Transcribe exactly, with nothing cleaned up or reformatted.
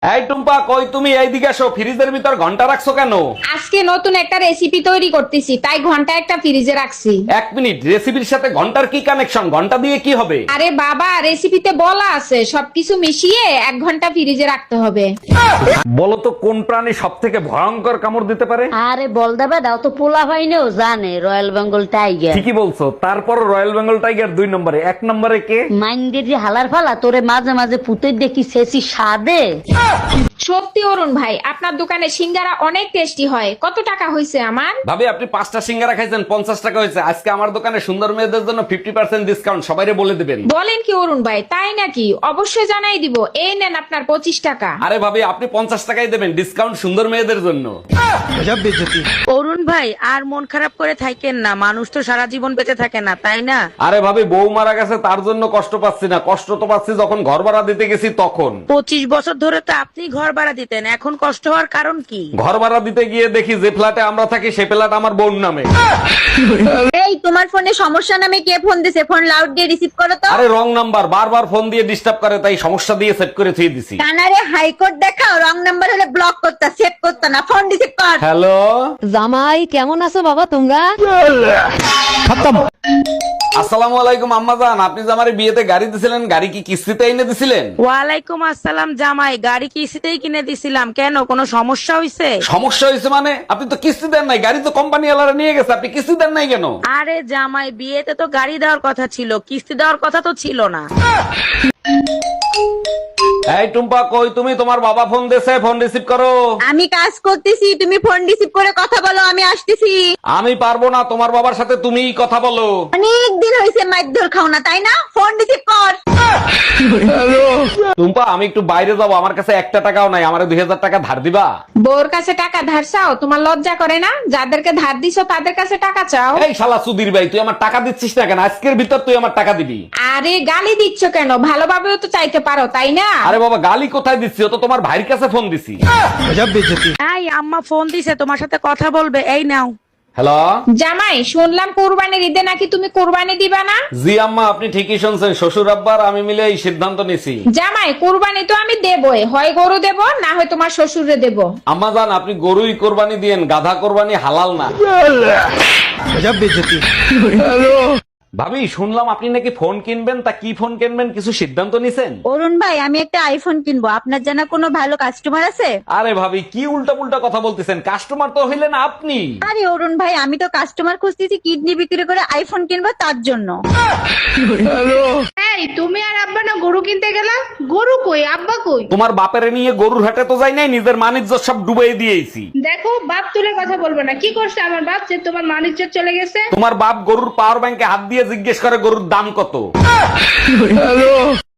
এই টুম্পা, কই তুমি? এইদিকে আসো। ফ্রিজের ভিতর ঘন্টা রাখছো কেন? আজকে নতুন একটা রেসিপি তৈরি করতেছি, তাই ঘন্টা একটা ফ্রিজে রাখছি। এক মিনিট, রেসিপির সাথে ঘন্টার কি কানেকশন? ঘন্টা দিয়ে কি হবে? আরে বাবা, রেসিপিতে বলা আছে সবকিছু মিশিয়ে এক ঘন্টা ফ্রিজে রাখতে হবে। বলো তো কোন প্রাণী সব থেকে ভয়ঙ্কর কামড় দিতে পারে? আরে বল দেবে দাও তো, পোলা হয়নিও জানে রয়্যাল বেঙ্গল টাইগার। ঠিকই বলছো। তারপর রয়্যাল বেঙ্গল টাইগার দুই নম্বরে, এক নম্বরে কে? মাইন্ডের যে হালার ফালা তোরে মাঝে মাঝে পুতে দেখি শেষি সাদে। সত্যি অরুণ ভাই, আপনার দোকানে সিঙ্গারা অনেক টেস্টি হয়। কত টাকা হয়েছে আমার? ভাবি, আপনি পাঁচটা সিঙ্গারা খাইছেন, পঞ্চাশ টাকা হয়েছে। আজকে আমার দোকানে সুন্দর মেয়েদের জন্য ফিফটি পার্সেন্ট ডিসকাউন্ট, সবাইরে বলে দিবেন। বলেন কি অরুণ ভাই, তাই নাকি? অবশ্যই জানাই দিব। এই নেন আপনার পঁচিশ টাকা। আরে ভাবি, আপনি পঞ্চাশ টাকাই দেবেন, ডিসকাউন্ট সুন্দর মেয়েদের জন্য। অরুণ ভাই আর মন খারাপ করে থাকেন না, মানুষ তো সারা জীবন বেঁচে থাকে না, তাই না? আরে ভাবি, বউ মারা গেছে তার জন্য কষ্ট পাচ্ছি না, কষ্ট তো পাচ্ছি যখন ঘর ভাড়া দিতে গেছি তখন। পঁচিশ বছর ধরে তো আপনি ঘর ভাড়া দিতেন, এখন কষ্ট হওয়ার কারণ কি? ঘর ভাড়া দিতে গিয়ে দেখি যে ফ্ল্যাটে আমরা থাকি সে ফ্ল্যাট আমার বোন নামে। এই তোমার ফোনে সমস্যা নামে কে ফোন দিছে? ফোন লাউড দিয়ে রিসিভ করো তো। আরে রং নাম্বার, বারবার ফোন দিয়ে ডিস্টার্ব করে, তাই সমস্যা দিয়ে সেট করে থুয়ে দিছি। কানারে হাইকোর্ট দেখাও, রং নাম্বার হলে ব্লক করতা, সেভ করতা না, ফোন রিসিভ কর। হ্যালো, জামাই কেমন আছো বাবা তোমরা? আসসালামু আলাইকুম আম্মাজান। আপনি যে আমার বিয়েতে গাড়ি দিছিলেন, গাড়ি কি কিস্তিতে এনে দিছিলেন? ওয়ালাইকুম আসসালাম জামাই, গাড়ি কিস্তিতেই কিনে দিছিলাম, কেন কোনো সমস্যা হয়েছে? সমস্যা হয়েছে মানে? আপনি তো কিস্তি দেন নাই, গাড়ি তো কোম্পানি ওয়ালারা নিয়ে গেছে, আপনি কিস্তি দেন নাই কেন? আরে জামাই, বিয়েতে তো গাড়ি দেওয়ার কথা ছিল, কিস্তি দেওয়ার কথা তো ছিল না। এই টুম্পা, কই তুমি? তোমার বাবা ফোন দিছে, ফোন রিসিভ করো। আমি কাজ করতেছি, তুমি ফোন রিসিভ করে কথা বলো, আমি আসতেছি। আমি পারবো না, তোমার বাবার সাথে তুমিই কথা বলো। অনেক দিন হয়েছে মাইর খাও না, তাই না? ফোন রিসিভ কর। টুম্পা, আমি একটু বাইরে যাবো, আমার কাছে একটা টাকাও নাই, আমার দুই হাজার টাকা ধার দিবা? বউর কাছে টাকা ধার চাও? তোমার লজ্জা করে না? যাদেরকে ধার দিছো তাদের কাছে টাকা চাও। এই শালা সুধীর ভাই, তুই আমার টাকা দিচ্ছিস না কেন? আজকের ভিতর তুই আমার টাকা দিবি। আরে গালি দিচ্ছ কেন? ভালোভাবেও তো চাইতে পারো, তাই না? আরে বাবা, গালি কোথায় দিচ্ছি? ও তো তোমার ভাইয়ের কাছে ফোন দিছি। এই আম্মা ফোন দিছে, তোমার সাথে কথা বলবে, এই নাও। হ্যালো জামাই, শুনলাম কোরবানির ঈদে নাকি তুমি কোরবানি দিবা না? জি আম্মা, আপনি ঠিকই শুনছেন। শ্বশুর আব্বার আমি মিলে এই সিদ্ধান্ত নিছি। জামাই, কোরবানি তো আমি দেবই, হয় গরু দেব না হয় তোমার শ্বশুরে দেব। আম্মা জান, আপনি গরুই কোরবানি দিয়েন, গাধা কোরবানি হালাল না। ভাবি, শুনলাম আপনি নাকি ফোন কিনবেন, তা কি ফোন কিনবেন কিছু সিদ্ধান্ত নিছেন? অরুণ ভাই, আমি একটা আইফোন কিনবো, আপনার জানা কোনো ভালো কাস্টমার আছে? আরে ভাবি, কি উল্টা পুল্টা কথা বলতেছেন? কাস্টমার তো হইলেন আপনি। আরে অরুণ ভাই, আমি তো কাস্টমার খুঁজতেছি কিডনি বিক্রি করে আইফোন কিনবো তার জন্য। এই তুমি আর আব্বা না গরু কিনতে গেলা? গরু কই, আব্বা কই? তোমার বাপের নিয়ে গরুর হাটে তো যাই নাই, নিজের মানিজ্য সব ডুবাই দিয়েছি। দেখো, বাপ তুলে কথা বলবো না। কি করছে আমার বাপ যে তোমার মানিজ্য চলে গেছে? তোমার বাপ গরুর পাওয়ার ব্যাংকে হাত দিয়ে জিজ্ঞেস করে গরুর দাম কত।